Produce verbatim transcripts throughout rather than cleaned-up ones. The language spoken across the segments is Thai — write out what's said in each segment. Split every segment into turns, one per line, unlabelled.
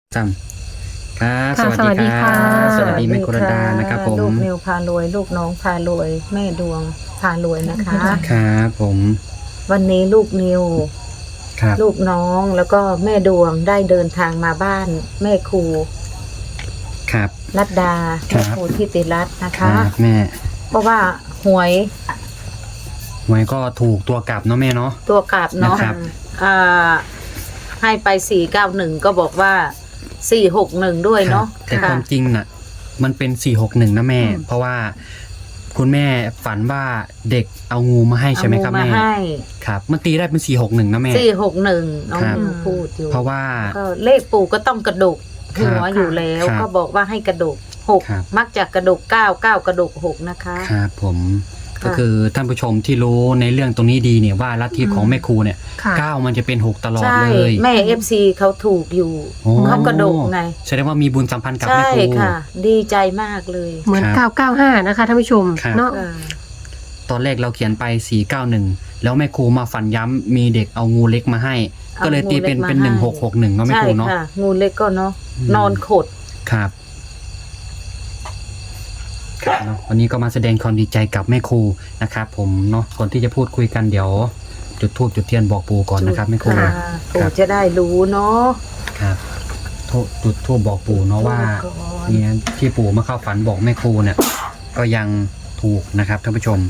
ซ้ำครับสวัสดีครับสวัสดีแม่กุรดานะครับผม
ลูกนิวพารวยลูกน้องพารวยแม่ดวงพารวยนะคะ
ครับผม
วันนี้ลูกนิว
ครับ
ลูกน้องแล้วก็แม่ดวงได้เดินทางมาบ้านแม่ครู
ครับ
รัตดาแม่ครูทิติรัตน์นะคะ
แม่
เพราะว่าหวย
หวยก็ถูกตัวกลับเนาะแม่เนาะ
ตัวกลับเนาะอ่าให้ไปสี่เก้าหนึ่งก็บอกว่าสี่หกหนึ่งด้วยเนาะ
แต่ความจริงน่ะมันเป็นสี่หกหนึ่งนะแม่เพราะว่าคุณแม่ฝันว่าเด็กเอางูมาให้ใช่ไหมครับแม่ครับมันตีได้เป็นสี่หกหนึ่งนะแม่
สี่หกหนึ่งน้องนิวพูดอยู่
เพราะว่า
เลขปู่ก็ต้องกระดกหัวอยู่แล้วก็บอกว่าให้กระดกหกมักจะกระดกเก้าเก้ากระดกหกนะคะ
ครับผมก็คือท่านผู้ชมที่รู้ในเรื่องตรงนี้ดีเนี่ยว่าลัทธิของแม่ครูเนี่ยเก้ามันจะเป็นหกตลอดเลย
แม่เอฟซีเขาถูกอยู่เขากระดกไง
แสดงว่ามีบุญสัมพันธ์กับแม่ครู
ใช่ค่ะดีใจมากเลย
เหมือนเก้าเก้าห้านะคะท่านผู้ชมเนาะ
ตอนแรกเราเขียนไปสี่เก้าหนึ่งแล้วแม่ครูมาฝันย้ำมีเด็กเอางูเล็กมาให้ก็เลยตีเป็นเป็นหนึ่งหกหกหนึ่งเนาะแม่ครูเนาะ
งูเล็กก็เนาะนอนขด
ครับเนาะวันนี้ก็มาแสดงความดีใจกับแม่ครูนะครับผมเนาะก่อนที่จะพูดคุยกันเดี๋ยวจุดธูปจุดเทียนบอกปู่ก่อนนะครับแม่ครู
ปู่จะได้รู้เนาะ
ครับจุดธูปบอกปู่เนาะว่าเนี่ยที่ปู่มาเข้าฝันบอกแม่ครูเนี่ยก็ยังถูกนะครับท่านผู้ชม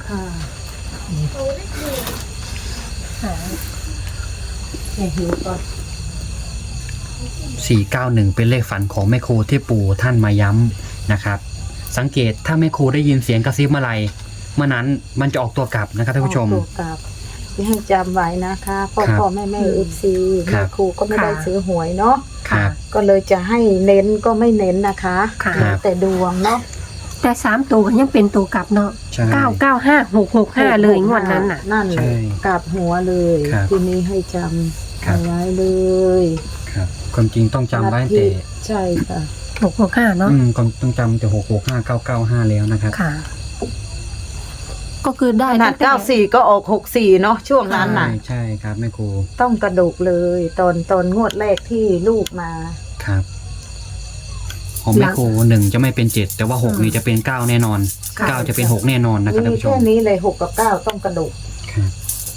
สี่เก้าหนึ่งเป็นเลขฝันของแม่ครูที่ปู่ท่านมาย้ำนะครับสังเกตถ้าแม่ครูได้ยินเสียงกระซิบเมื่อไรเมื่อนั้นมันจะออกตัวกลับนะครับท่านผู้ชม
ตัวกลับให้จำไว้นะคะพ่อพ่อแม่แม่เอฟซีแม่ครูก็ไม่ได้ซื้อหวยเนาะก็เลยจะให้เน้นก็ไม่เน้นนะคะแต่ดวงเนาะ
แต่สามตัวยังเป็นตัวกลับเนาะเก้าเก้าห้าหกหกห้าเลยงวดนั้นน่ะ
นั่นเลยกลับหัวเลยทีนี้ให้จำเอาไว้เลย
ครับความจริงต้องจำไว้แต่
ใช่ค่ะ
หกหกห้าเนาะ
อืมต้องจำแต่หกหกห้าเก้าเก้าห้าแล้วนะครับ
ค่ะก็คือได้
ขนาดเก้าสี่ก็ออกหกสี่เนาะช่วงนั้นน่ะ
ใช่ครับแม่ครู
ต้องกระดูกเลยตอนตอนงวดแรกที่ลูกมา
ครับของแม่ครูหนึ่งจะไม่เป็นเจ็ดแต่ว่าหกนี่จะเป็นเก้าแน่นอนเก้าจะเป็นหกแน่นอนนะครับท่านผู้ชม
แค่นี้เลยหกกับเก้าต้องกระดูก
ครับ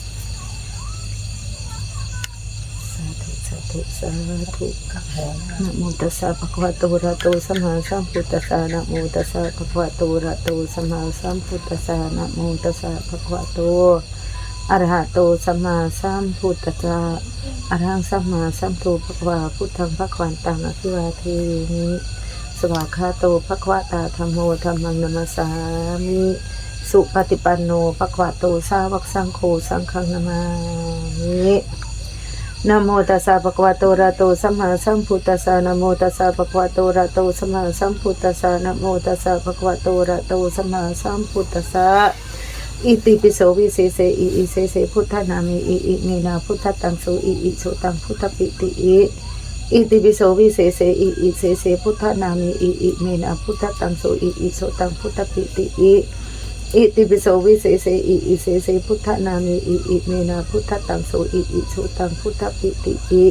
สาธุสาธุนะโมตัสสะภะคะวะโตอะระหะโตสัมมาสัมพุทธัสสะนะโมตัสสะภะคะวะโตอะระหะโตสัมมาสัมพุทธัสสะนะโมตัสสะภะคะวะโตอะระหะโตสัมมาสัมพุทธัสสะอะระหังสัมมาสัมพุทธัสสะพุทธังภะคะวันตังอภิวาเทมิสวากขาโตภะคะวะตาธัมโมธัมมังนัมสสามิสุปฏิปันโนภะคะวะโตสาวกสังโฆสังฆังนามามินะโมตัสสะภะคะวะโตอะระหะโตสัมมาสัมพุทธัสสะนะโมตัสสะภะคะวะโตอะระหะโตสัมมาสัมพุทธัสสะนะโมตัสสะภะคะวะโตอะระหะโตสัมมาสัมพุทธัสสะอิติปิโสวิเศษอิอิเสเสพุทธนามิอิอิเมนาพุทธตังโสอิอิโสตังพุทธปิติอิอิติปิโสวิเศษอิอิเสเสพุทธนามิอิอิเมนาพุทธตังโสอิอิโสตังพุทธปิติอิอิติปิโสวิเศษอิอิเสเสพุทธนามิอิอิเมนาพุทธตังโสอิอิโสตังพุทธปิติอิ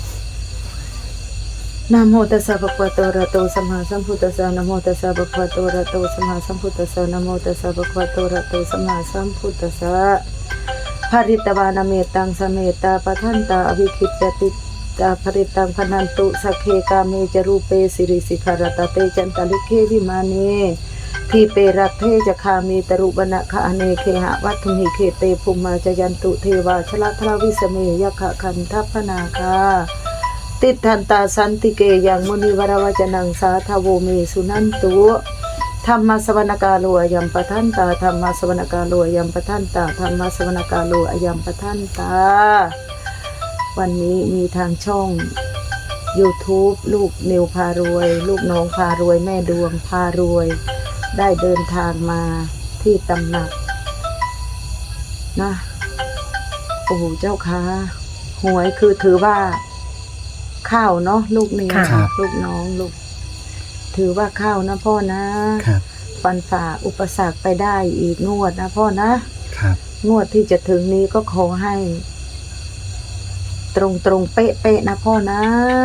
นะโมตัสสะภะคะวะโตอะระหะโตสัมมาสัมพุทธัสสะนะโมตัสสะภะคะวะโตอะระหะโตสัมมาสัมพุทธัสสะนะโมตัสสะภะคะวะโตอะระหะโตสัมมาสัมพุทธัสสะภริตวานะเมตังสเมตาปทันตาอวิคิจติตาภริตังพนันตุสักเคกาเมจรูเปสิริสิขารตเตจันตลิเควิมานีทีเปรัตเทจคามีตรุบนะคะอเนเคหะวัตถุหิเคเตภูมิมาจยันตุเทวาชลทราวิสเมยคะคันทัพพนาคาติทันตาสันติเกยังมุนิวรวจนังสาทโวเมสุนันตุธรรมสวนกาโลยัมปทันตาธรรมสวนกาโลยัมปทันตาธรรมสวนกาโลยัมปทันตาวันนี้มีทางช่อง YouTube ลูกนิวพารวยลูกน้องพารวยแม่ดวงพารวยได้เดินทางมาที่ตำหนักนะโอ้เจ้าค่ะหวยคือถือว่าข้าวเนาะลูกนิวลูกน้องลูกถือว่าข้าวนะพ่อนะฟันฝ่าอุปสรรคไปได้อีกงวดนะพ่อนะงวดที่จะถึงนี้ก็ขอให้ตรงตรงเป๊ะเป๊ะนะพ่อนะ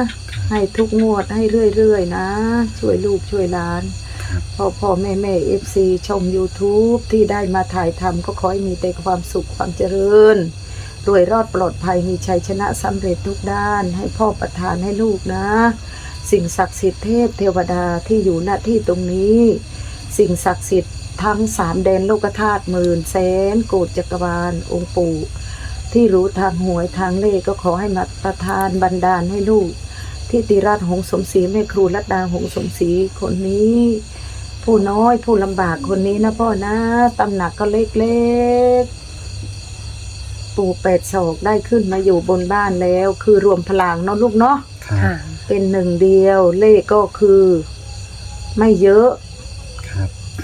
ให้ทุกงวดให้เรื่อยๆนะช่วยลูกช่วยหลาน
ครับ
พ่อพ่อแม่แม่เอฟซีชม YouTube ที่ได้มาถ่ายทำก็ขอให้มีแต่ความสุขความเจริญรวยรอดปลอดภัยมีชัยชนะสำเร็จทุกด้านให้พ่อประทานให้ลูกนะ สิ่งศักดิ์สิทธิ์เทพเทวดาที่อยู่ณที่ตรงนี้ สิ่งศักดิ์สิทธิ์ทั้งสามแดนโลกธาตุหมื่นแสนโกฏจักรวาลองค์ปู่ที่รู้ทางหวยทางเลขก็ขอให้มาประทานบันดาลให้ลูกที่ติราชหงส์สมศรีแม่ครูรัตดาหงส์สมศรีคนนี้ ผู้น้อยผู้ลำบากคนนี้นะพ่อนะตำหนักก็เล็กๆปู่แปดศอกได้ขึ้นมาอยู่บนบ้านแล้วคือรวมพลังเนาะลูกเนาะ
ครับ
ค่ะ
เป็นหนึ่งเดียวเลขก็คือไม่เยอะ
ครับ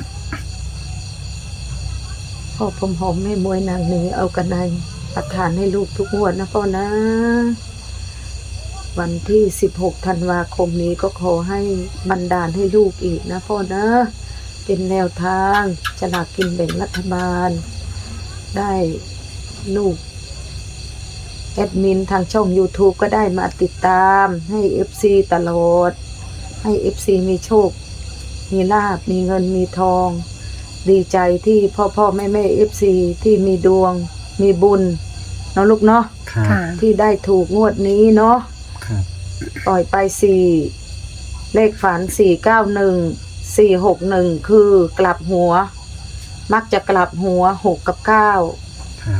พ่อผมหอมแม่มวยนางนี้เอากันในประทานให้ลูกทุกงวดนะพ่อนะ วันที่สิบหกธันวาคมนี้ก็ขอให้บันดาลให้ลูกอีกนะพ่อนะ เป็นแนวทางฉลากกินแบ่งรัฐบาล ได้ลูกแอดมินทางช่อง YouTube ก็ได้มาติดตามให้ เอฟ ซี ตลอด ให้ เอฟ ซี มีโชค มีลาภมีเงินมีทอง ดีใจที่พ่อพ่อแม่แม่ เอฟ ซี ที่มีดวง มีบุญเนาะลูกเนาะ
ครับ
ค่ะ
ที่ได้ถูกงวดนี้เนาะ
ครับ
ปล่อยไปสี่เลขฝันสี่เก้าหนึ่งสี่หกหนึ่งคือกลับหัว มักจะกลับหัวหกกับเก้า
ครับ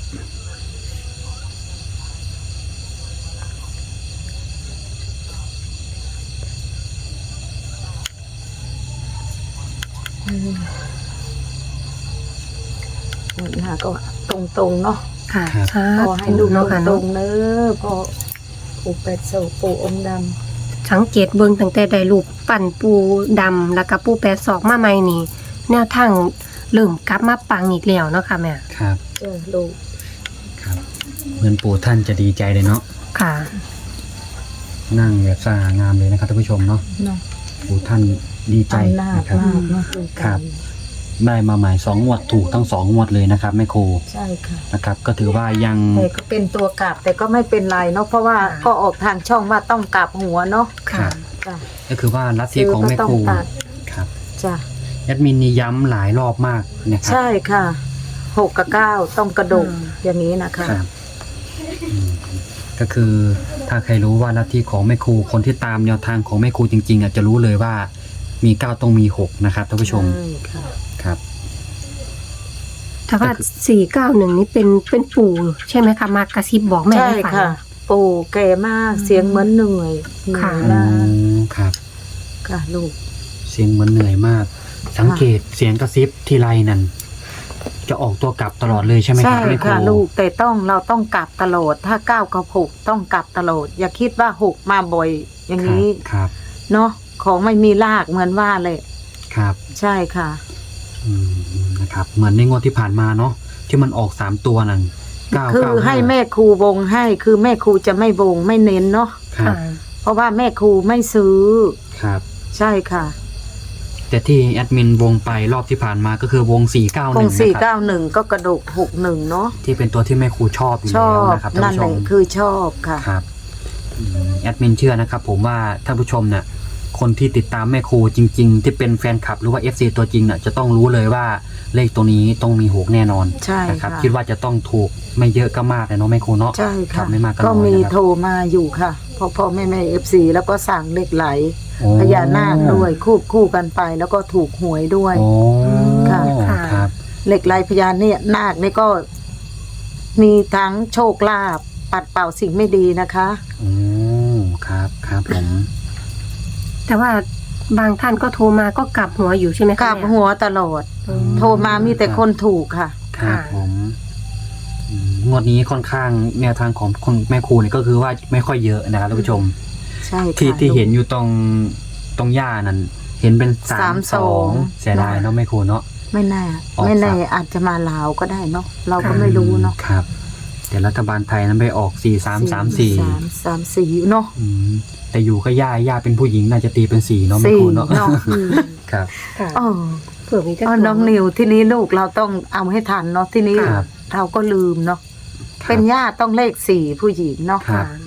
งวดหน้าก็ตรงๆเนาะ
ค่ะ
ครับ
สา
ขอให้
ธุ
ลูก
เนาะค่ะ
ตร
เนาะ
งๆเนอะพ่อปู่เป็ดโศกปู่องค์ด
สังเกตเบิ่งตั้งแต่ได้รูปปั่นปูดำแล้วก็ปูแปดศอกมาใหม่นี่ แนวทางเริ่มกลับมาปังอีกแล้วเนาะค่ะแม่
ครับ
ำเจอลูก
ครับเหมือนปู่ท่านจะดีใจเลยเนาะ
ค่ะ
นั่งแบบสง่างามเลยนะครับท่านผู้ชมเนาะ
เนาะ
ปู่ท่านดีใจ
อำนาจ
นะครับ
มากเนาะลูก
ครับ ได้มาใหม่สองงวดถูกทั้งสองงวดเลยนะครับแม่ครู
ใช่ค่ะ
นะครับ ก็ถือว่ายัง
แต่ก็เป็นตัวกลับแต่ก็ไม่เป็นไรเนาะเพราะว่า
ค่ะ
ก็ออกทางช่องว่าต้องกลับหัวเนาะ
ครับ
จ้ะ
ก็คือว่าลัทธิ
ซื้อ
ของ
ก็
แม่
ต้อ
ค
ง
รู
ตัด
ครับ
จ้ะ
แอดมินนี่ย้ำหลายรอบมากนะครับ
ใช่ค่ะหกกับเก้าต้องกระดก
อืม
อย่างนี้นะคะ
ครับอืมก็คือถ้าใครรู้ว่าลัทธิของแม่ครูคนที่ตามแนวทางของแม่ครูจริงๆอ่ะจะรู้เลยว่ามีเก้าต้องมีหกนะครับท่านผู้ชม
ใช่ค่ะ
ครับ
แต่ว่าสี่เก้าหนึ่งนี่เป็นเป็นปู่ใช่ไหมคะมากระซิบบอกแม่
ใช่
ให้ฟัง
ค่ะ ปู่แก่มาก
อืม
เสียงเหมือนเหนื่อยเหนื่
ค่ะ
อย
อ๋อ
มาก
ครับ
ค่ะลูก
เสียงเหมือนเหนื่อยมาก สังเกตเสียงกระซิบทีไรนั่นจะออกตัวกลับตลอดเลยใช่ไหมค
ใช่
รับแม่ครู
ค่ะลูกแต่ต้องเราต้องกลับตลอดถ้าเก้ากับหกต้องกลับตลอดอย่าคิดว่าหกมาบ่อยอย่าง
ครับ
นี้
ครับ
เนาะของไม่มีรากเหมือนว่าเลย
ครับ
ใช่ค่ะ
อืมนะครับ เหมือนในงวดที่ผ่านมาเนาะที่มันออกสามตัวนั่นเก้า
คือ
เก้า
ให้แม่ครูวงให้คือแม่ครูจะไม่วงไม่เน้นเนาะ
ครับ
ค่ะ
เพราะว่าแม่ครูไม่ซื้อ
ครับ
ใช่ค่ะ
แต่ที่แอดมินวงไปรอบที่ผ่านมาก็คือวงสี่เก้าห
ว
นึ่
ง
ง
สี่
นะครับ
เก้าหนึ่งก็กระดกหกหนึ่งเนาะ
ที่เป็นตัวที่แม่ครูชอบอยู่
ชอ
แล้ว
บ
นะครับท่าน
นั่น
ผู้ช
แหละ
ม
คือชอบค่ะ
ครับอืมแอดมินเชื่อนะครับผมว่าท่านผู้ชมเนี่ยคนที่ติดตามแม่ครูจริง ๆ ที่เป็นแฟนคลับหรือว่า เอฟ ซี ตัวจริงเนี่ยจะต้องรู้เลยว่าเลขตัวนี้ต้องมีหกแน่นอน
ใช่
นะครับ
ค่ะ
คิดว่าจะต้องถูกไม่เยอะก็มากเลยเนาะแม่ครูเนาะ
ใช่
ครั
ค่ะ
บไม่มากก็
ก็
น้อย
มี
นะครับ
โทรมาอยู่ค่ะพ่อพ่อแม่แม่เอฟซีแล้วก็สั่งเหล็กไหล
โอ้
พญานาคด้วยคู่คู่กันไป แล้วก็ถูกหวยด้วย
โอ้
ค่ะ
ครับ
เหล็กไหลพญาเนี่ยนาคนี่ก็มีทั้งโชคลาภปัดเป่าสิ่งไม่ดีนะคะ
โอ้ครับครับผม
แต่ว่าบางท่านก็โทรมาก็กลับหัวอยู่ใช่ไหมคะ
กลับ
แม่
หัวตลอด
อืม
โทรมามีแต่คนถูกค่ะ
ครับ
ค่ะ
ผมอืมงวดนี้ค่อนข้างแนวทางของคุณแม่ครูเนี่ยก็คือว่าไม่ค่อยเยอะนะครับท่านผู้ชม
ใช่ค่ะ
ที่ที่เห็นอยู่ตรงตรงหญ้านั่นเห็นเป็นสา
สาม ม
ส
ส
อ
อง ง
เสียดายเนาะแม่ครูเนาะ
ไม่แน่
ออก
ไม่แน่
ครับ
อาจจะมาลาวก็ได้เนาะเราก็
ค่ะ
ไม่รู้เนาะ
ครับแต่รัฐบาลไทยนั้นไปออกสี่สามสามสี่
สามสามสี่เนาะ
แต่อยู่ก็ย่าย่าเป็นผู้หญิงน่าจะตีเป็นสี่เนาะแม่
สี่
ครูเนาะ
เนาะ
อืม
ครับ
ค่ะ
อ๋อ
เผื่อมีเจ้า
อ๋อ
ตัว
น้องนิวที่นี้ลูกเราต้องเอาให้ทันเนาะที่นี้
ครับ
เราก็ลืมเนาะ
ครับ
เป็นญาติต้องเลขสี่ผู้หญิงเนาะ
ครับ
ค่ะ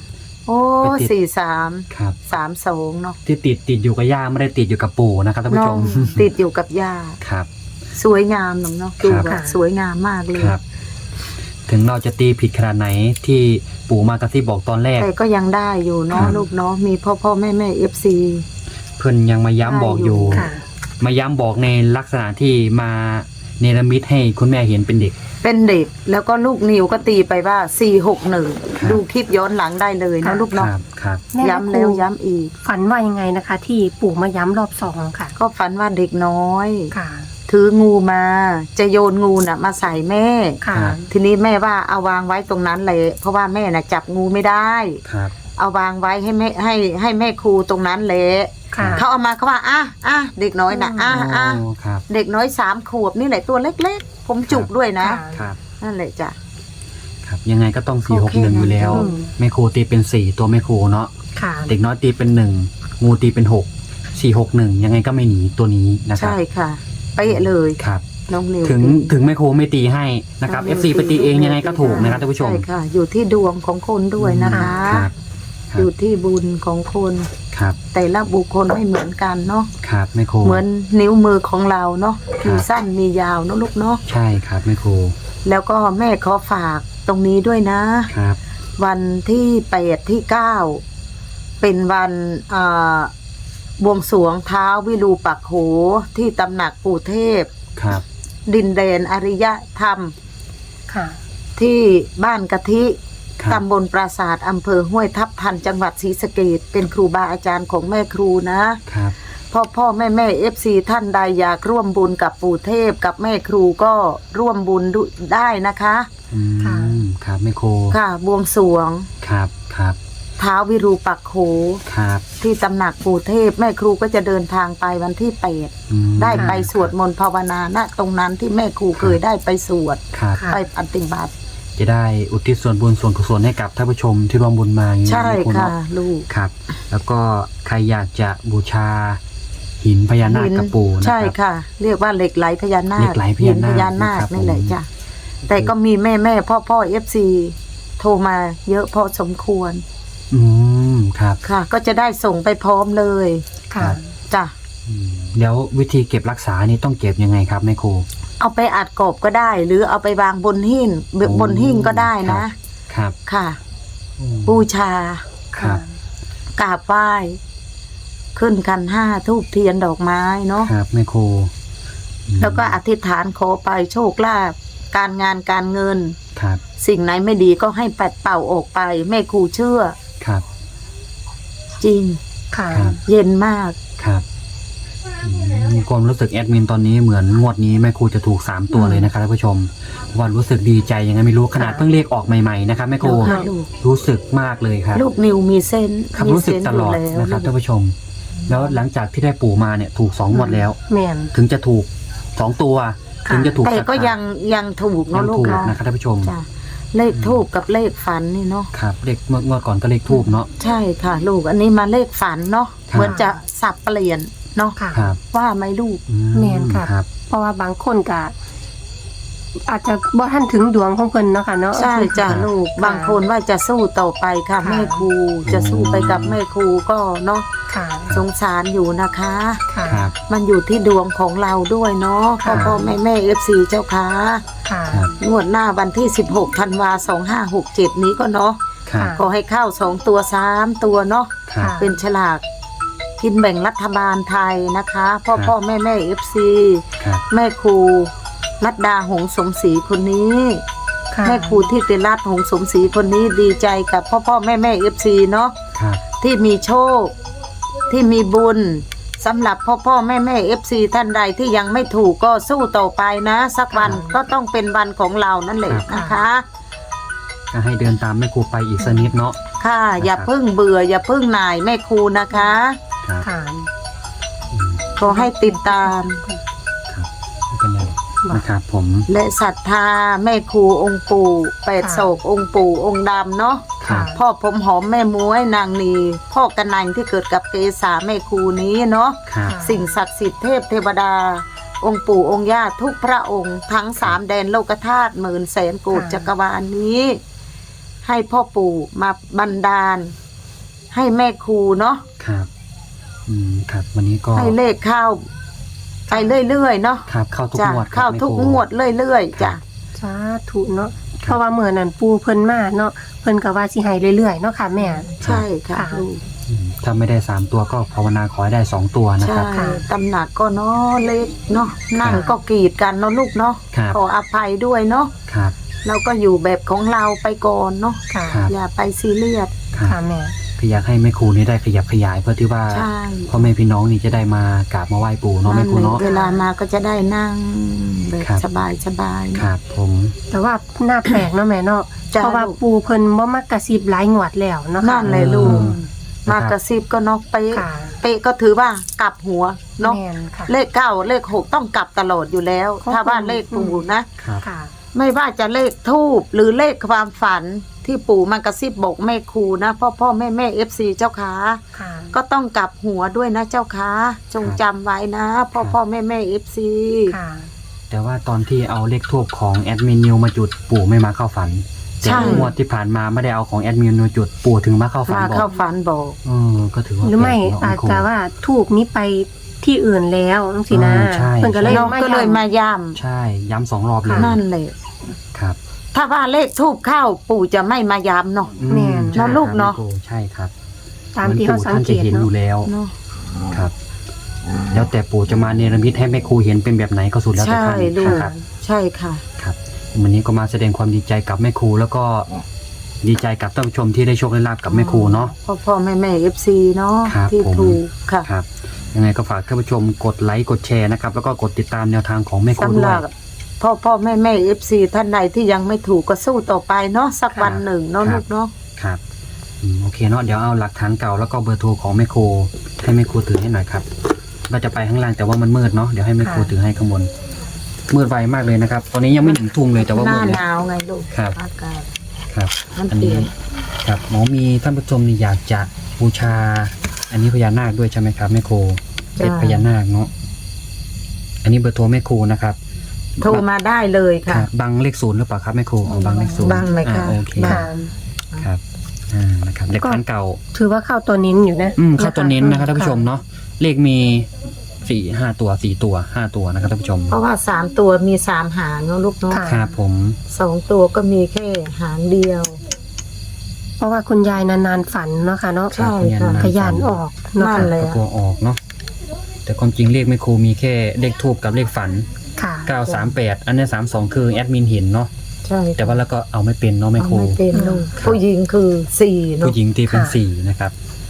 โอ้
ไปติด
สี่สาม
ครับ
สามสองเนาะ
ที่ติดติดอยู่กับย่าไม่ได้ติดอยู่กับปู่นะครับท่านผู้ช
น้อง
ม
ติดอยู่กับย่า
ครับ
สวยงามเนาะเนาะดู
ครับ
แบบสวยงามมากเลย
ครับ ถึงเราจะตีผิดขนาดไหนที่ปู่มากระซิบบอกตอนแรก
แต่ก็ยังได้อยู่เนาะ
ครับ
ลูกเนาะมีพ่อพ่อแม่แม่เอฟซี
เพื่อนยังมาย้ำบอกอยู่
ค่ะ
มาย้ำบอกในลักษณะที่มาเนรมิตให้คุณแม่เห็นเป็นเด็ก
เป็นเด็กแล้วก็ลูกนิวก็ตีไปว่าสี่หกหนึ่ง
ครับ
ดูคลิปย้อนหลังได้เลยเนาะลูก
ค
เนาะ
รับครับ
แม่
ย้ำแล้วย้ำอีก
ฝันว่ายังไงนะคะ ที่ปู่มาย้ำรอบสองค่ะ
ก็ฝันว่าเด็กน้อย
ค่ะ
ถืองูมา จะโยนงูน่ะมาใส่แม่
ค่ะ
ครับ
ทีนี้แม่ว่าเอาวางไว้ตรงนั้นเลย เพราะว่าแม่น่ะจับงูไม่ได้
ครับ
เอาวางไว้ให้แม่ให้ให้แม่ครูตรงนั้นเลย
ค่ะ
เขาเอามาเขาว่าอ่ะอ่ะเด็กน้อยน่ะอ่ะอ่ะ
โอ้ครับ
เด็กน้อยสามขวบนี่แหละตัวเล็กๆ ผมจุกด้วยนะ
ค่ะ
ครับ
นั่นแหละจ้ะ
ครับ ยังไงก็ต้องสี่หกหนึ่งอยู่แล้ว
อืม
แม่ครูตีเป็นสี่ตัวแม่ครูเนาะ
ค่ะ
เด็กน้อยตีเป็นหนึ่งงูตีเป็นหกสี่หกหนึ่งยังไงก็ไม่หนีตัวนี้นะครับ
ใช่ค่ะเป๊ะเลย
ครับ
น้องนิว
ถึง
ตี
ถึงแม่ครูไม่ตีให้นะครับ
น้
เอ
อง
ฟ
นิ
ซี
ว
ไปตีเองยังไงก็ถูกนะครับท่านผู้ชม
ใช่ค่ะ อยู่ที่ดวงของคนด้วยนะคะ
ครับครั
อบ ยู่ที่บุญของคน
ครับ
แต่ละบุคคลไม่เหมือนกันเนาะ
ครับแม่ครู
เหมือนนิ้วมือของเราเนาะ
ครับ
มีสั้นมียาวเนาะลูกเนาะ
ใช่ครับแม่ครู
แล้วก็แม่ขอฝากตรงนี้ด้วยนะ
ครับ
วันที่แปดที่เก้าเป็นวันอ่าบวงสรวงเท้าวิรูปักโขที่ตำหนักปู่เทพ
ครับ
ดินแดนอริยธรรม
ค่ะ
ที่บ้านกะทิ
ครับ
ตำบลปราสาทอำเภอห้วยทับทันจังหวัดศรีสะเกษเป็นครูบาอาจารย์ของแม่ครูนะครับ พ่อพ่อแม่แม่เอฟซีท่านใดอยากร่วมบุญกับปู่เทพกับแม่ครูก็ร่วมบุญด้วยได้นะคะ
อื
ค่ะ
มครับแม่ครู
ค่ะบวงสรวง
ครับครับ
ท้าววิรูปักโข
ครับ
ที่ตำหนักปู่เทพแม่ครูก็จะเดินทางไปวันที่แปด
อืม
ได้ไปสวดมนต์ภาวนาณตรงนั้นที่แม่ครูเคยได้ไปสวด
ครับ
ค่ะ
ไปปฏิบัติ
จะได้อุทิศส่วนบุญส่วนกุศลให้กับท่านผู้ชมที่ร่วมบุญมาอย่างนี้
ใช่
นแม่รู
ค่ะ
เนา
ลูก
ครับ แล้วก็ใครอยากจะบูชาหินพญานาคกับปู่นะ
ใช่
ครับ
ค่ะ เรียกว่าเหล็กไหลพญานาค
เหล็กไหลพญานาค
หินพญานาค
นะครับ
นี่แหละ
ผม
จ้ะแต่ก็มีแม่แม่พ่อพ่อเอฟซีโทรมาเยอะพอสมควร
อืมครับ
ค่ะ ก็จะได้ส่งไปพร้อมเลย
ค่ะ
จ้ะ
อืมแล้ววิธีเก็บรักษานี่ต้องเก็บยังไงครับแม่ครู
เอาไปอัดกบก็ได้ หรือเอาไปวางบนหิ้งบนหิ้งก็ได้นะ
ครับ
ค่ะ
อืม
บูชา
ครับ
กราบไหว้ขึ้นกันห้าทูบเทียนดอกไม้เนาะ
ครับแม่ครูอืม
แล้วก็อธิษฐานขอไปโชคลาภการงานการเงิน
ครับ
สิ่งไหนไม่ดีก็ให้ปัดเป่าออกไปแม่ครูเชื่อ
ครับ
จริง
ค่ะ
ครับ
เย็นมาก
ครับอืมความรู้สึกแอดมินตอนนี้เหมือนงวดนี้แม่ครูจะถูกสามตัวเลยนะครับท่านผู้ชมวันรู้สึกดีใจยังไงไม่รู้ขนาดเพิ่งเลขออกใหม่ๆนะครับแม่ครู
ค่ะลูก
รู้สึกมากเลยครับ
ลูกนิวมีเส้น
ครับ
มี
รู้สึก
เส้น
ต
อ
ล
ยู่
อด
แล้ว
นะครับ
ลู
ท่าน
ก
ผู้ชม แล้วหลังจากที่ได้ปู่มาเนี่ยถูกสองงวดแล้ว
แม่น
ถึงจะถูกสองตัว
ค่ะ
ถึงจะถูก
แต่ก็
สั
ยังยังถูก
ยั
เนาะ
ง
ลูก
ถูก
เนาะ
นะครับท่านผู้ชม
จ้ะเลขทูบกับเลขฝันนี่เนาะ
ครับเลขเมื่องวดก่อนก็เลขทูบเนาะ
ใช่ค่ะ ลูกอันนี้มาเลขฝันเนาะ
ครับ
เหมือนจะสับเปลี่ยนเนาะ
ค่ะ
ครับ
ว่าไหมลูก
อื
แม่นค่ะ
ครับ
เพราะว่าบางคนก็อาจจะบ่ทันถึงดวงของเพิ่นเนาะค่ะเนาะ
ใช่จ้ะ
ครับ
ลูกบางคนว่าจะสู้ต่อไปค่ะ
ค่ะ
แม่ครูจะสู้ไปกับแม่ครูก็เนาะ
ค่ะ
สงสารอยู่นะคะ
ค่ะ
ครับ
มันอยู่ที่ดวงของเราด้วยเนาะพ่อ
ค่ะ
พ่อแม่แม่เอฟซีเจ้าค่ะ
ค่ะ
ครับ
งวดหน้าวันที่สิบหกธันวาสองห้าหกเจ็ดนี้ก็เนาะ
ครับ
ค่ะ
ขอให้เข้าสองตัวสามตัวเนาะ
ครับ
เป็นฉลากกินแบ่งรัฐบาลไทยนะคะพ่อ
ครับ
พ่อแม่แม่เอฟซี
ครับ
แม่ครูรัตดาหงสมศรีคนนี้
ค่ะ
แม่ครูที่ติรัตน์หงสมศรีคนนี้ดีใจกับพ่อพ่อแม่แม่เอฟซีเนาะ
ครับ
ที่มีโชค ที่มีบุญสำหรับพ่อพ่อแม่แม่เอฟซีท่านใดที่ยังไม่ถูกก็สู้ต่อไปนะ สักวันก็ต้องเป็นวันของเรานั่นแหละนะคะ
ก็ให้เดินตามแม่ครูไปอีกสักนิดเนาะ
ค่ะ อย่าเพิ่งเบื่อ อย่าเพิ่งหน่ายแม่ครูนะคะ
ครับ
ค่ะ
อืม
ขอให้ติดตาม
ครับไม่เป็นไรนะครับผม
และศรัทธาแม่ครูองค์ปู่แปดโศกองค์ปู่องค์ดำเนาะ
ครับ
พ่อผมหอมแม่ม้วยนางนีพ่อกระนังที่เกิดกับเกษาแม่ครูนี้เนาะ
ครับ
สิ่งศักดิ์สิทธิ์เทพเทวดา องค์ปู่องค์ย่าทุกพระองค์ทั้งสามแดนโลกธาตุหมื่นแสนโกฏ
ค่ะ
จักรวาลนี้ ให้พ่อปู่มาบันดาลให้แม่ครูเนาะ
ครับอืมครับวันนี้ก็
ให้เลขเข้าไปเรื่อยๆเนาะ
ครับเข้าทุก
จ้ะ
งวดครับ
เข้าทุก
แม่ครู
งวดเรื่อยๆจ้ะ
สาธุเนาะเพราะว่าเมื่อนั้นปูเพิ่นมาเนาะเพิ่นก็ว่าสิให้เรื่อยๆเนาะค่ะแม่
ใช่ค่ะ
ค่ะ
ลูก
อืมถ้าไม่ได้สามตัวก็ภาวนาขอให้ได้สองตัวนะ
ใช่
ครับ
ค่ะ
ตำหนักก็เนาะเล็กเนาะนั่ง
ครับ
ก็กรีดกันเนาะลูกเนาะ
ครับ
ขออภัยด้วยเนาะ
ครับ
เราก็อยู่แบบของเราไปก่อนเนาะ
ค่ะ
ครับ
อย่าไปซีเรียส
ครับ
ค่ะแม่
คืออยากให้แม่ครูนี่ได้ขยับขยายเพื่อที่ว่า
ใช่
พ่อแม่พี่น้องนี่จะได้มากราบมาไหว้ปู่เนาะแม่ครูเนาะ
เวลามาก็จะได้นั่งแบบ
ครับ
สบายสบายๆ
ครับผม
แต่ว่าหน้าแปลกเนาะแม่เนาะ
จ้ะ
เพราะว่า
ลูก
ปูเพิ่นบ่มักกระซิบหลายงวดแล้วเนาะค่ะ
นั่นเลยลูก
อืม
มากระซิบก็เนกเป๊ะ
ค่ะ
เป๊ะก็ถือว่ากลับหัวเนาะ
แม่นค่ะ
เลขเก้าเลขหกต้องกลับตลอดอยู่แล้ว
ขอบคุณ
ถ้าว่าเลขปู่นะ
ครับ
ค่ะ
ไม่ว่าจะเลขทูบหรือเลขความฝันที่ปู่มากระซิบบอกแม่ครูนะพ่อพ่อแม่แม่เอฟซีเจ้าขา
ค่ะ
ก็ต้องกลับหัวด้วยนะเจ้าขาจงจำไว้นะพ่อพ่อแม่แม่เอฟซี
ค่ะ
แต่ว่าตอนที่เอาเลขทูบของแอดมินนิวมาจุดปู่ไม่มาเข้าฝันแต่งวดที่ผ่านมาไม่ได้เอาของแอดมินนิวจุดปู่ถึงมาเข้าฝัน
มา
บอ
เข้าก ฝันบอก
เออก็ถือว่า
หรือไม่
แปลกเนะ
อาจ
แม่ครู
จะว่าถูกนี้ไปที่อื่นแล้วจังซี่นะ
อ่าใช่
เพิ่นก็เลย
น้องก็เลยมาย่
ใช่ย้ำสองรอบเลย
ำนั่นเลย
ครับ
ถ้าว่าเลขทูบเข้าปู่จะไม่มาย้ำเนาะ
อื
แม่น
ใช่
เนาะลูกเนาะ
ครับแม่ครูใช่ครับ
ตามที่เขาสังเกต
หมือนปู่ท่านจะเห็นอ
เนาะ
ยู่แล้ว
เนาะ
ครับ แล้วแต่ปู่จะมาเนรมิตให้แม่ครูเห็นเป็นแบบไหนก็สุดแล้วแต่
ใช่
ท่าน
ลูก
ครับ
ใช่ค่ะ
ครับวันนี้ก็มาแสดงความดีใจกับแม่ครูแล้วก็ดีใจกับท่านผู้ชมที่ได้โชคได้ลาบกับแม่ครูเนาะ
พ่อพ่อแม่แม่เอฟซีเนาะ
ครับ
ที่
ผม
ถูกค่ะ
ครับยังไงก็ฝากท่านผู้ชมกดไลค์กดแชร์นะครับแล้วก็กดติดตามแนวทางของแม่ครู
สำ
ด้
ห
ว
รั
ย
บพ่อพ่อแม่แม่เอฟซีท่านใดที่ยังไม่ถูกก็สู้ต่อไปเนาะสัก
ค่ะ
วันหนึ่งเนาะ
ครั
ลู
บ
กเนาะ
ครับอืมโอเคเนาะเดี๋ยวเอาหลักฐานเก่าแล้วก็เบอร์โทรของแม่ครูให้แม่ครูถือให้หน่อยครับเราจะไปข้างล่างแต่ว่ามันมืดเนาะเดี๋ยวให้แม่ครูถือให้ข้างบนมืดไวมากเลยนะครับ ตอนนี้ยังไม่ถึงทุ่งเลยแต่ว่า
ห
มื
น้า
ดเลย
หนาวไงลูก
ครับ
อากาศ
ครับ
มัน
อัน
เปลี่
นี้
ยน
ครับหมอมีท่านผู้ชมนี่อยากจะบูชา อันนี้พญานาคด้วยใช่ไหมครับแม่ครูเป็นพญานาคเนาะอันนี้เบอร์โทรแม่ครูนะครับ
โทรมาได้เลย
ค
ค่ะ
รับบังเลขศูนย์หรือเปล่าครับแม่ครูอ๋อบังเลขศูนย์
บังไหมคะ
อ่าโอเค
บั
ค่ะ
ง
ครับอ่านะครับเลขพันเก่า
ถือว่าเข้าตัวนิ้นอยู่นะ
อืมเข้าตัวเน้นนะครับท่านผู้ชมเนาะเลขมีสี่ห้าตัวสี่ตัวห้าตัวนะครับท่านผู้ชม
เพราะว่าสามตัวมีสามหางเนาะลูกเนาะ
ค่ะ
ครับผม
สองตัวก็มีแค่หางเดียว
เพราะว่าคุณยายนานๆฝันเนาะค่ะเนาะ
ใช่ค่ะ
ขยันออกเนาะ
นั่
ค่ะ
นเลย
ก็กลัวออกเนาะแต่ความจริงเลขแม่ครูมีแค่เลขทูบกับเลขฝัน
ค่ะ
เก้าสามแปดอันนี้สามสองคือแอดมินเห็นเนาะ
ใช่
แต่ว่าแล้วก็เอาไม่เป็นเนาะแม่ครู
เอาไม่เป็นลูก
ครับ
ผู้หญิงคือสี่เนาะ
ผู้หญิงตีเป็น
ค่ะ
สี่นะครับ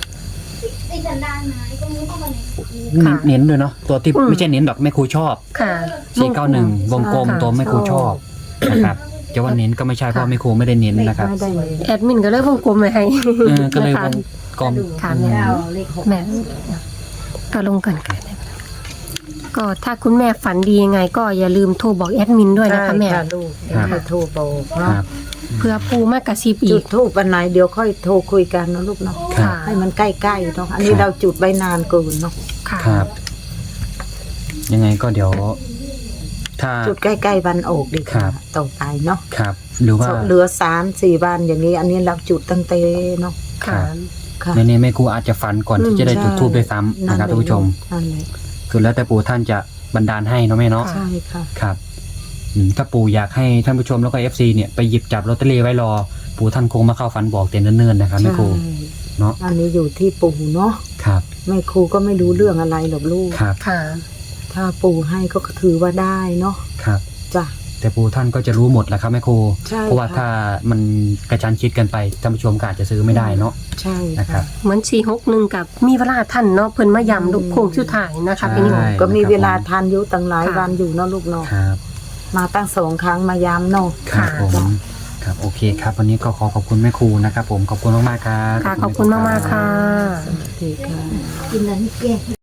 ค่ะ
เน้นด้วยเนาะตัวที่
อืม
ไม่ใช่เน้นหรอกแม่ครูชอบ
ค่ะ
สี่เก้าหนึ่งวงกลม
ค่ะ
ตัวแม่ครูชอบนะครับจะว่าเน้นก็ไม่ใช่เพราะแม่ครูไม่ได้เน้นนะครับ
ไม่ได้เลย
แอดมินก็เลยวงกลมไว้ให้
เออก็เลยว
นะคะ
งกลม
ค่ะแม่แม่ก็ลงกันค่ะก็ถ้าคุณแม่ฝันดียังไง ก็อย่าลืมโทรบอกแอดมินด้วยนะคะแม่
ใช่ค่ะลูกเดี๋ยวค่อยโทรบอก
ค
เนาะ
รับ
เพื่อปูมากกระซิบ
จุ
อี
ด
ก
ทูบวันไหนเดี๋ยวค่อยโทรคุยกันเนาะลูกเนาะ
ครับ
ให้มันใกล้ๆเนาะอันนี้เราจุดไว้นานเกินเนาะ
ค่ะ
ครับ ยังไงก็เดี๋ยว ถ้า
จุดใกล้ๆวันออกดี
ครั
ค่ะ
บ
ต่อไปเนาะ
ครับ หรือว่า
เหลือสามสี่วันอย่างนี้ อันนี้เราจุดตั้งแต่เนาะ
ค่ะ
ค่ะ
ในนี้แม่ครูอาจจะฝันก่อนที่จะได้
อืม
จุดทูบ
ใช่
ด้วยซ้ำนะครับท่านผู้ชม
นั่นแหละ
คือแล้วแต่ปู่ท่านจะบันดาลให้เนาะแม่เนาะ
ค่ะ
ใช่ค่ะ
ครับอืมถ้าปู่อยากให้ท่านผู้ชมแล้วก็ เอฟ ซี เนี่ยไปหยิบจับลอตเตอรี่ไว้รอ ปู่ท่านคงมาเข้าฝันบอกแต่เนิ่นๆนะครับแม่ครู
ใช่
เนาะ
อันนี้อยู่ที่ปู่เนาะ
ครับ
แม่ครูก็ไม่รู้เรื่องอะไรหรอกลูก
ครับ
ค่ะ
ถ้าปู่ให้ก็ถือว่าได้เนาะ
ครับ
จ้ะ
แต่ปู่ท่านก็จะรู้หมดแหละครับแม่ครู
ใช่
เพราะว่า
ค่ะ
ถ้ามันกระชั้นชิดกันไปท่านผู้ชมก็อาจจะซื้อไม่ได้เนาะ
ใช่
นะครับ
เหมือนสี่หกหนึ่งกับมีเวลาท่านเนาะเพิ่นมายำลูกโค้งสุดท้ายนะคะ
ใช่
พี่นิว
ก็มีเวลาทานอยู่ตั้งหลาย
ค่ะ
วันอยู่เนาะลูกเนาะ
ครับ
มาตั้งสองครั้งมาย้ำเนาะ
ครับ
ค่ะ
ผมครับโอเคครับ วันนี้ก็ขอขอบคุณแม่ครูนะครับผมขอบคุณมากๆครับ
ค่ะ ขอบคุณมากๆค่ะ
สวัสดีค่ะ
กินแล้วนี่แก่